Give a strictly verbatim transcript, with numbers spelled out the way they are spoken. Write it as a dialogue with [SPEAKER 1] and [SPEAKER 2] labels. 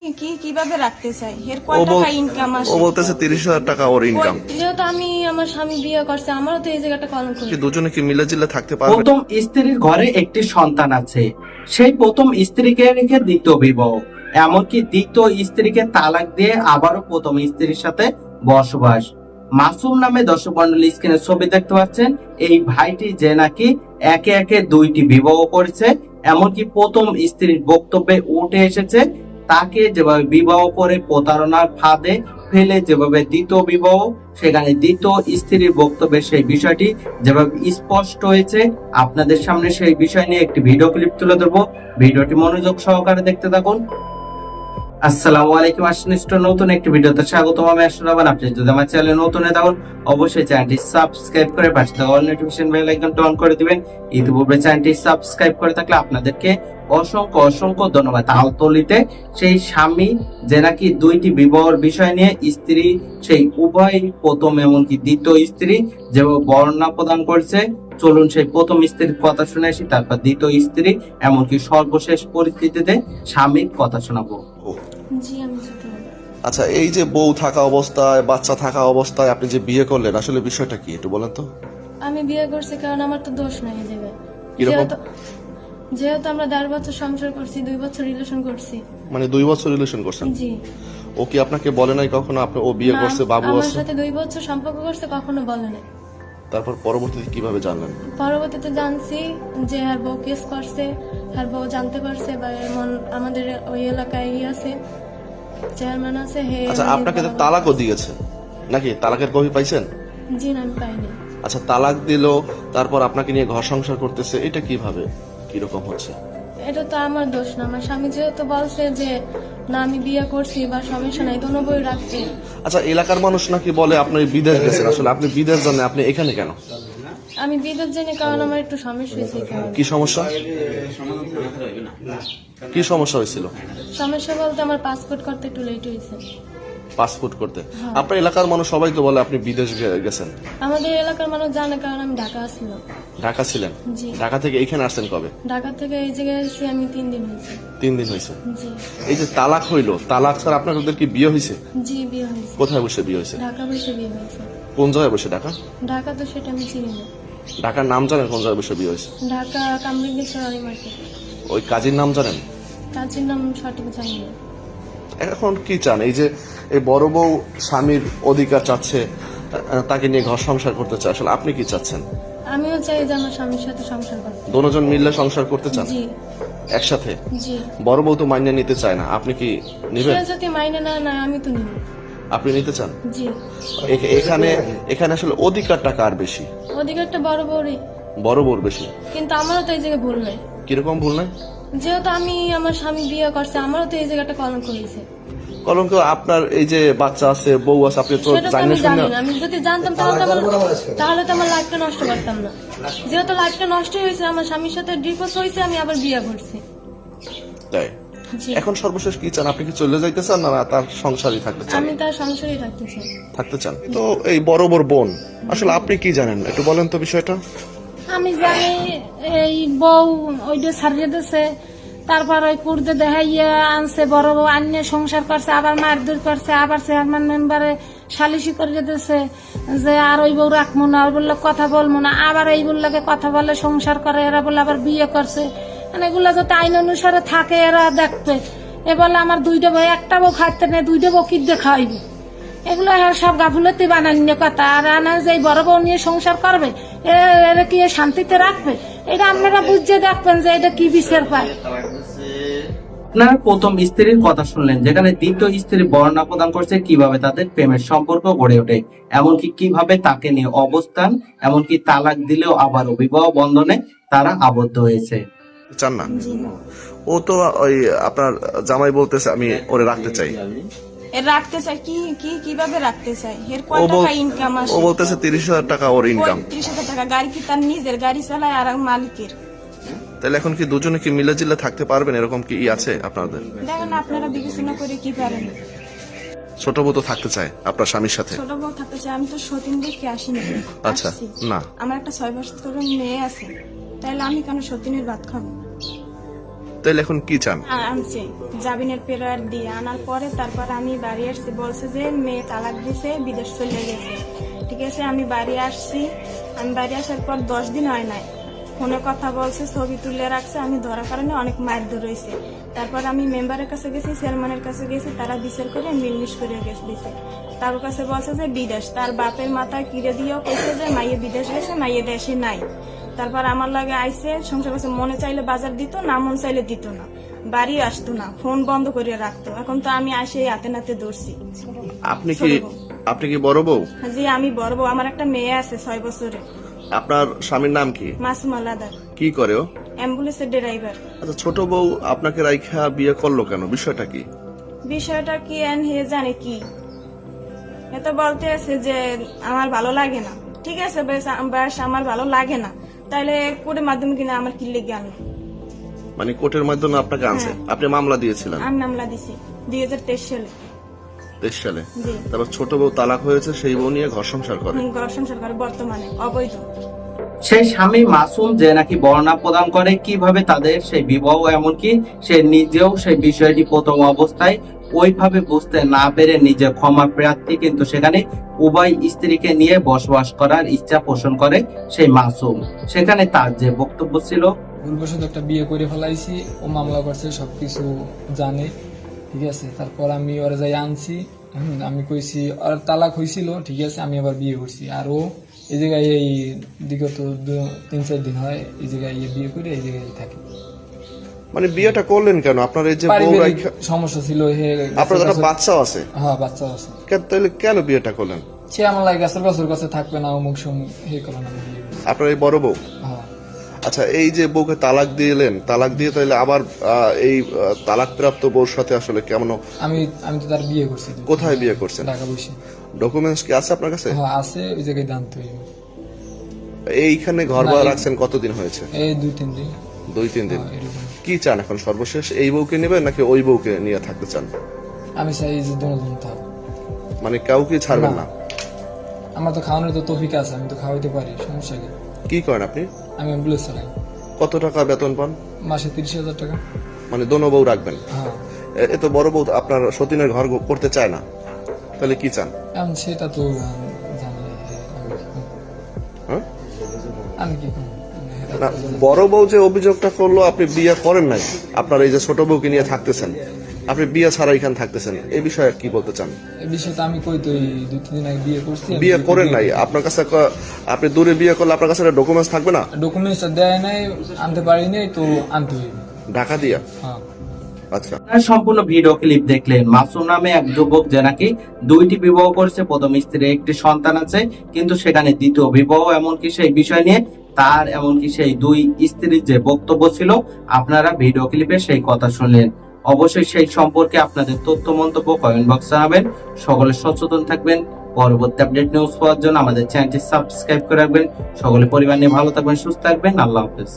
[SPEAKER 1] কি কিভাবে রাখতে চাই এর কয় টাকা ইনকাম আসে
[SPEAKER 2] ও বলতেছে তিরিশ হাজার টাকা ওর ইনকাম।
[SPEAKER 1] যেহেতু আমি আমার স্বামী বিয়ে করছে আমারও তো এই জায়গাটা কলঙ্ক।
[SPEAKER 2] কি দুজনে কি মিলে জিলে থাকতে পারবে?
[SPEAKER 3] প্রথম স্ত্রীর ঘরে একটি সন্তান আছে, সেই প্রথম স্ত্রীকে রেখে দ্বিতীয় বিবাহ, এমনকি দ্বিতীয় স্ত্রীকে তালাক দিয়ে আবারও প্রথম স্ত্রীর সাথে বসবাস। মাসুম নামে দর্শক মন্ডলী স্ক্রিনে ছবি দেখতে পাচ্ছেন, এই ভাইটি যে নাকি একে একে দুইটি বিবাহ করেছে, এমনকি প্রথম স্ত্রীর বক্তব্যে উঠে এসেছে তাকে যেভাবে বিবাহ করে প্রতারণার ফাঁদে ফেলে যেভাবে দ্বিতীয় বিবাহ, সেখানে দ্বিতীয় স্ত্রীর বক্তব্যে সেই বিষয়টি যেভাবে স্পষ্ট হয়েছে, আপনাদের সামনে সেই বিষয় নিয়ে একটি ভিডিও ক্লিপ তুলে ধরবো। ভিডিওটি মনোযোগ সহকারে দেখতে থাকুন। আসসালামু আলাইকুম, আসনিষ্ট নতুন একটি ভিডিওতে স্বাগতম। আমি আসলাম। আপনি যদি আমার চ্যানেলে নতুন হয়ে থাকুন অবশ্যই চ্যানেলটি সাবস্ক্রাইব করে পাশে থাকা অল নোটিফিকেশন বেল আইকনটি অন করে দিবেন। ইতিপূর্বে চ্যানেলটি সাবস্ক্রাইব করে থাকলে আপনাদেরকে অসংখ্য অসংখ্য ধন্যবাদ। আলতলিতে সেই স্বামী যে নাকি দুইটি বিবাহের বিষয় নিয়ে স্ত্রী সেই উভয় প্রথম এমনকি দ্বিতীয় স্ত্রী যেভাবে বর্ণনা প্রদান করছে, চলুন সেই প্রথম স্ত্রীর কথা শুনে আসি, তারপর দ্বিতীয় স্ত্রী এমনকি সর্বশেষ পরিস্থিতিতে স্বামীর কথা শোনাবো।
[SPEAKER 1] জি আমি যেতে পারি।
[SPEAKER 2] আচ্ছা, এই যে বউ থাকা অবস্থায় বাচ্চা থাকা অবস্থায় আপনি যে বিয়ে করলেন, আসলে বিষয়টা কি একটু বলেন তো?
[SPEAKER 1] আমি বিয়ে করছি কারণ আমার তো দোষ নাই এই জায়গায়।
[SPEAKER 2] কিরকম?
[SPEAKER 1] যেহেতু যেহেতু আমরা দেড় বছর সংসার করছি, দুই বছর রিলেশন করছি।
[SPEAKER 2] মানে দুই বছর রিলেশন করছেন?
[SPEAKER 1] জি।
[SPEAKER 2] ও কি আপনাকে বলে নাই কখনো আপনি ও বিয়ে
[SPEAKER 1] না,
[SPEAKER 2] করছে, বাবু
[SPEAKER 1] আমার
[SPEAKER 2] আছে?
[SPEAKER 1] সাথে দুই বছর সম্পর্ক করছে, কখনো বলে নাই।
[SPEAKER 2] তারপর পরবর্তীতে কিভাবে জানলেন?
[SPEAKER 1] পরবর্তীতে জানছি যে আর বউ কেস করছে, আর বউ জানতে পারছে বা এমন আমাদের ওই এলাকায় ই আছে, চেয়ারম্যান আছে। হে
[SPEAKER 2] আচ্ছা, আপনাকে তো তালাকও দিয়েছে নাকি? তালাকের কপি পাইছেন?
[SPEAKER 1] জি না, আমি পাইনি।
[SPEAKER 2] আচ্ছা, তালাক দিল, তারপর আপনাকে নিয়ে ঘর সংসার করতেছে, এটা কিভাবে কিরকম হচ্ছে?
[SPEAKER 1] এটা তো আমার দোষ না। আমার স্বামী যেহেতু বলছে যে না আমি বিয়ে করছি বা সমস্যা নাই, দোনো বই রাখতে।
[SPEAKER 2] আচ্ছা, এলাকার মানুষ নাকি বলে আপনি বিদেশ গেছেন, আসলে আপনি বিদেশ জানেন, আপনি এখানে কেন?
[SPEAKER 1] আমি বিদেশ জানি কারণ আমার একটু সমস্যা হয়েছে।
[SPEAKER 2] কি সমস্যা? কি সমস্যা হয়েছিল?
[SPEAKER 1] সমস্যা বলতে আমার পাসপোর্ট করতে একটু লেট হয়েছে।
[SPEAKER 2] পাসপোর্ট করতে? আপনার এলাকার মানুষ সবাই তো বলে আপনি বিদেশ গে- গেছেন।
[SPEAKER 1] আমাদের এলাকার মানুষ জানে কারণ আমি ঢাকা আসছিলাম।
[SPEAKER 2] ঢাকা ছিলেন?
[SPEAKER 1] জি।
[SPEAKER 2] ঢাকা থেকে এখানে আসছেন কবে?
[SPEAKER 1] ঢাকা থেকে এই জায়গায় এসেছি আমি তিন দিন হয়েছে।
[SPEAKER 2] তিন দিন হয়েছে।
[SPEAKER 1] জি।
[SPEAKER 2] এই যে তালাক হইলো, তালাক স্যার আপনাদের কি বিয়ে হয়েছে?
[SPEAKER 1] জি বিয়ে হয়েছে।
[SPEAKER 2] কোথায় বসে বিয়ে হয়েছে?
[SPEAKER 1] ঢাকা বসে বিয়ে হয়েছে।
[SPEAKER 2] কোন জায়গায় বসে? ঢাকা?
[SPEAKER 1] ঢাকা তো সেটা আমি চিনি না।
[SPEAKER 2] ঢাকার নাম জানেন কোন জায়গায় বসে বিয়ে হয়েছে?
[SPEAKER 1] ঢাকা কামরুঙ্গেশ্বর মার্কেট।
[SPEAKER 2] ওই কাজীর নাম জানেন?
[SPEAKER 1] কাজের নাম সঠিক জানি না।
[SPEAKER 2] এখন কি চান? এই যে এই বড় বউ স্বামীর অধিকার চাচ্ছে, আহ, তাকে নিয়ে ঘর সংসার করতে চায়, আসলে আপনি কি চাচ্ছেন?
[SPEAKER 1] আমিও চাই যে আমার স্বামীর সাথে সংসার করতে।
[SPEAKER 2] দুজন মিললে সংসার করতে চান
[SPEAKER 1] জি
[SPEAKER 2] একসাথে?
[SPEAKER 1] জি।
[SPEAKER 2] বড় বউ তো মাইনে নিতে চায় না, আপনি কি নিবেন?
[SPEAKER 1] সে যদি মাইনে না নেয় আমি তো নিব।
[SPEAKER 2] আপনি নিতে চান?
[SPEAKER 1] জি।
[SPEAKER 2] এ- এখানে এখানে আসলে অধিকারটা কার বেশি?
[SPEAKER 1] অধিকারটা বড় বড়ই,
[SPEAKER 2] বড় বউর বেশি।
[SPEAKER 1] কিন্তু আমারও তো এই জায়গায় ভুল নাই।
[SPEAKER 2] কিরকম ভুল নাই?
[SPEAKER 1] যেহেতু আমি আমার স্বামী বিয়ে করছে আমারও তো এই জায়গাটা কলঙ্ক হয়েছে।
[SPEAKER 2] কলঙ্ক আপনার এই যে বাচ্চা আছে, বউ আছে, আপনি তো
[SPEAKER 1] সেটা তো
[SPEAKER 2] জানেন
[SPEAKER 1] আমি জানি
[SPEAKER 2] না।
[SPEAKER 1] না। আমি যদি জানতাম তাহলে তো আমার তাহলে তো আমার লাইফটা নষ্ট করতাম না। যেহেতু লাইফটা নষ্ট হয়েছে, আমার স্বামীর সাথে ডিভোর্স হয়েছে, আমি আবার বিয়ে করছি।
[SPEAKER 2] তাই
[SPEAKER 1] জি।
[SPEAKER 2] এখন সর্বশেষ কি চান? আপনি কি চলে যাইতে চান, না তার সংসারই থাকতে চান?
[SPEAKER 1] আমি তার সংসারই থাকতে চাই।
[SPEAKER 2] থাকতে চান। তো এই বড় বড় বোন, আসলে আপনি কি জানেন একটু বলেন তো বিষয়টা।
[SPEAKER 4] আমি জানি এই বউ ওইটা ছাড়িয়ে দিছে, তারপর ওই কুর্দে দেখাইয়া আনছে, বড় বউ আন্য সংসার করছে, আবার মারধর করছে, আবার চেয়ারম্যান মেম্বারে সালিশি করে দিছে যে আর ওই বউ রাখবো না, ওই বললে কথা বলবো না, আবার এই বললাকে কথা বলে সংসার করে, এরা বলে আবার বিয়ে করছে। মানে এগুলা যাতে আইন অনুসারে থাকে এরা দেখবে। এ বলে আমার দুইটা বউ, একটা বউ খাইতে নেই, দুইটা বউ কি দিয়ে খাওয়াইবে? এগুলো সব গাফুলতি বানানিয়ে কথা। আর আনা যে বড় বউ নিয়ে সংসার করবে, এরা কি শান্তিতে রাখবে? এটা আপনারা বুঝে দেখবেন যে এটা কি বিচার পায়।
[SPEAKER 3] আপনার প্রথম স্ত্রীর কথা শুনলেন, যেখানে দ্বিতীয় স্ত্রী বর্ণনা প্রদান করছে কিভাবে তাদের প্রেমের সম্পর্ক গড়ে ওঠে, এমনকি কিভাবে তাকে নিয়ে অবস্থান, এমনকি তালাক দিলেও আবার বিবাহ বন্ধনে তারা আবদ্ধ হয়েছে।
[SPEAKER 2] চান না? ও তো ওই আপনার জামাই বলতেছে আমি ওরে রাখতে চাই।
[SPEAKER 1] এর রাখতে চাই কি কি কিভাবে রাখতে চাই এর কয়
[SPEAKER 2] ও বল-
[SPEAKER 1] টাকা ইনকাম আসে?
[SPEAKER 2] ও বলতেছে তিরিশ হাজার টাকা ওর ইনকাম।
[SPEAKER 1] ত্রিশ হাজার টাকা। গাড়ি কি তার নিজের? গাড়ি চালায় আর মালিকের।
[SPEAKER 2] তাহলে এখন কি দুজনে কি মিলে জিলে থাকতে পারবেন, এরকম কি ই আছে আপনাদের?
[SPEAKER 1] দেখেন আপনারা বিবেচনা করে কি পারেন।
[SPEAKER 2] ছোট বউ তো থাকতে চায় আপনার স্বামীর সাথে।
[SPEAKER 1] ছোট বউ থাকতে চাই। আমি তো সতীন দেখে আসিনি।
[SPEAKER 2] আচ্ছা,
[SPEAKER 1] আসছি।
[SPEAKER 2] না।
[SPEAKER 1] আমার একটা ছয় বছরের মেয়ে আছে, তাহলে আমি কেন সতীনের ভাত খাবো?
[SPEAKER 2] তাহলে এখন কি চান?
[SPEAKER 1] আ- আনছে জামিনের পেরোয়ার দিয়ে আনার পরে তারপর আমি বাড়ি আসছি, বলছে যে মেয়ে তালাক দিছে, বিদেশ চলে গেছে। ঠিক আছে, আমি বাড়ি আসছি। আমি বাড়ি আসার পর দশ দিন হয় নাই, ফোনে কথা বলছে, ছবি তুলে রাখছে। আমি ধরার কারণে অনেক মারধর রয়েছে। তারপর আমি মেম্বারের কাছে গেছি, চেয়ারম্যানের কাছে গেছি, তারা বিচার করে মিলমিশ করে গেছে দিছে। তার কাছে বলছে যে বিদেশ, তার বাপের মাথায় কিরে দিয়েও কইছে যে মাইয়ে বিদেশ গেছে, মাইয়ে দেশে নাই। তারপর আমার লাগে আইসে সংসার করছে, মনে চাইলে বাজার দিত না, মন চাইলে দিত না, বাড়ি আসতো না, ফোন বন্ধ করে রাখতো। এখন তো আমি আসে হাতে নাতে ধরছি।
[SPEAKER 2] আপনি কি আপনি কি বড় বউ?
[SPEAKER 1] জি আমি বড় বউ, আমার একটা মেয়ে আছে ছয় বছরে।
[SPEAKER 2] আপনার স্বামীর নাম কি?
[SPEAKER 1] মাসুম আলাদার,
[SPEAKER 2] কি করে ও?
[SPEAKER 1] অ্যাম্বুলেন্সের ড্রাইভার।
[SPEAKER 2] আচ্ছা, ছোট বউ আপনাকে রাইখা বিয়ে করলো কেন? বিষয়টা কি?
[SPEAKER 1] বিষয়টা কি এন হে জানে কি, এত বলতে আছে যে আমার ভালো লাগে না। ঠিক আছে বেশ, বেশ আমার ভালো লাগে না, তাহলে কোর্টের মাধ্যমে কিনা আমার কি লেগে আনলো।
[SPEAKER 2] মানে কোর্টের মাধ্যমে আপনাকে আনছে? আপনি মামলা দিয়েছিলেন
[SPEAKER 1] আমি মামলা দিছি দুই হাজার তেইশ সালে।
[SPEAKER 2] তেইশ সালে?
[SPEAKER 1] জি,
[SPEAKER 2] তারপর ছোট বউ তালাক হয়েছে, সেই বউ নিয়ে ঘর সংসার করে।
[SPEAKER 1] হুম, ঘর সংসার করে বর্তমানে অবৈধ।
[SPEAKER 3] সেই স্বামী মাসুম যে নাকি বর্ণনা প্রদান করে কিভাবে তাদের সেই বিবাহ, এমনকি সে নিজেও সেই বিষয়টি প্রথম অবস্থায় ওইভাবে বুঝতে না পেরে নিজে ক্ষমা প্রার্থী, কিন্তু সেখানে উভয় স্ত্রীকে নিয়ে বসবাস করার ইচ্ছা পোষণ করে সেই মাসুম। সেখানে তার যে বক্তব্য ছিল,
[SPEAKER 5] ভুলবশত একটা বিয়ে করে ফেলাইছি, ও মামলা করছে, সবকিছু জানে। ঠিক আছে, তারপর আমি ওরা যাই আনছি। হুম, আমি কইছি আর তালাক হয়েছিল, ঠিক আছে, আমি আবার বিয়ে করছি। আর ও এই জায়গায় এই বিগত দু- তিন চার দিন হয় এই জায়গায় ইয়ে বিয়ে করে এই জায়গায় থাকে।
[SPEAKER 2] মানে বিয়েটা করলেন কেন? আপনার এই যে বউ
[SPEAKER 5] পারিবারিক
[SPEAKER 2] রাইখা,
[SPEAKER 5] সমস্যা ছিল। হে
[SPEAKER 2] আপনার একটা বাচ্চাও আছে,
[SPEAKER 5] হ্যাঁ বাচ্চা আছে।
[SPEAKER 2] কেন- তাহলে কেন বিয়েটা করলেন?
[SPEAKER 5] সে আমার লাগে গাছের বছর কাছে থাকবে না, অমুক সমুক হে করে না, আমি বিয়ে করছি।
[SPEAKER 2] আপনার এই বড় বউ?
[SPEAKER 5] হ্যাঁ,
[SPEAKER 2] আচ্ছা, এই যে বউকে তালাক দিলেন, তালাক দিয়ে তাহলে আবার আহ, এই আহ, তালাক প্রাপ্ত বউর সাথে আসলে কেমন?
[SPEAKER 5] আমি আমি তো তার বিয়ে করছি।
[SPEAKER 2] কোথায় বিয়ে করছেন?
[SPEAKER 5] ঢাকা বসে।
[SPEAKER 2] ডকুমেন্টস কি আছে আপনার কাছে?
[SPEAKER 5] হ্যাঁ আছে, ওই জায়গায় জানতে হইবে।
[SPEAKER 2] এইখানে ঘর ভাড়া
[SPEAKER 5] না, এই-
[SPEAKER 2] রাখছেন কতদিন হয়েছে?
[SPEAKER 5] এই দুই তিন দিন।
[SPEAKER 2] দুই তিন দিন।
[SPEAKER 5] হ্যাঁ, এরকম।
[SPEAKER 2] কি চান এখন সর্বশেষ? এই বউকে নেবেন নাকি ওই বউকে নিয়ে থাকতে চান?
[SPEAKER 5] আমি চাই যে দুজন থাক।
[SPEAKER 2] মানে কাউকে ছাড়বেন না?
[SPEAKER 5] আমার তো খাওয়ানোর তো তৌফিক আছে, আমি তো খাওয়াইতে পারি, সমস্যা কি?
[SPEAKER 2] কি করেন আপনি?
[SPEAKER 5] আমি অ্যাম্বুলেন্স চালাই,
[SPEAKER 2] কত টাকা বেতন পান?
[SPEAKER 5] মাসে তিরিশ হাজার টাকা।
[SPEAKER 2] মানে দোনো বউ রাখবেন?
[SPEAKER 5] হ্যাঁ,
[SPEAKER 2] এ- এ তো বড় বউ আপনার সতীনের ঘর গো- করতে চায় না, তাহলে কি চান?
[SPEAKER 5] এখন সেটা তো আমি জানি না, আমি কি করব?
[SPEAKER 2] হ্যাঁ?
[SPEAKER 5] আমি কি করব? এটা
[SPEAKER 2] না,
[SPEAKER 5] তো জানি না।
[SPEAKER 2] বড় বউ যে অভিযোগটা করলো আপনি বিয়ে করেন নাই, আপনার এই যে ছোট বউকে নিয়ে থাকতেছেন, আপনি বিয়ে ছাড়া এখানে থাকতেছেন, এই বিষয়ে কি বলতে চান?
[SPEAKER 5] এই বিষয়টা আমি কই তো এই দুই তিন দিন আগে বিয়ে করছি।
[SPEAKER 2] বিয়ে করেন নাই, আপনার কাছে ক- আপনি দূরে বিয়ে করলে আপনার কাছে ডকুমেন্টস থাকবে না?
[SPEAKER 5] ডকুমেন্টসটা দেয় নাই, আনতে পারি নাই, তো আনতে হইবে।
[SPEAKER 2] ঢাকা দিয়া?
[SPEAKER 5] হ্যাঁ,
[SPEAKER 2] আচ্ছা,
[SPEAKER 3] আপনারা সম্পূর্ণ ভিডিও ক্লিপ দেখলেন। মাসুম নামে এক যুবক যে নাকি দুইটি বিবাহ করেছে, প্রথম স্ত্রীর একটি সন্তান আছে, কিন্তু সেখানে দ্বিতীয় বিবাহ, এমনকি সেই বিষয় নিয়ে তার এমনকি সেই দুই স্ত্রীর যে বক্তব্য ছিল, আপনারা ভিডিও ক্লিপে সেই কথা শুনলেন। অবশ্যই সেই সম্পর্কে আপনাদের তথ্য মন্তব্য কমেন্ট বক্সে জানাবেন। সকলে সচেতন থাকবেন। পরবর্তী আপডেট নিউজ পাওয়ার জন্য আমাদের চ্যানেলটি সাবস্ক্রাইব করে রাখবেন। সকলে পরিবার নিয়ে ভালো থাকবেন, সুস্থ থাকবেন। আল্লাহ হাফেজ।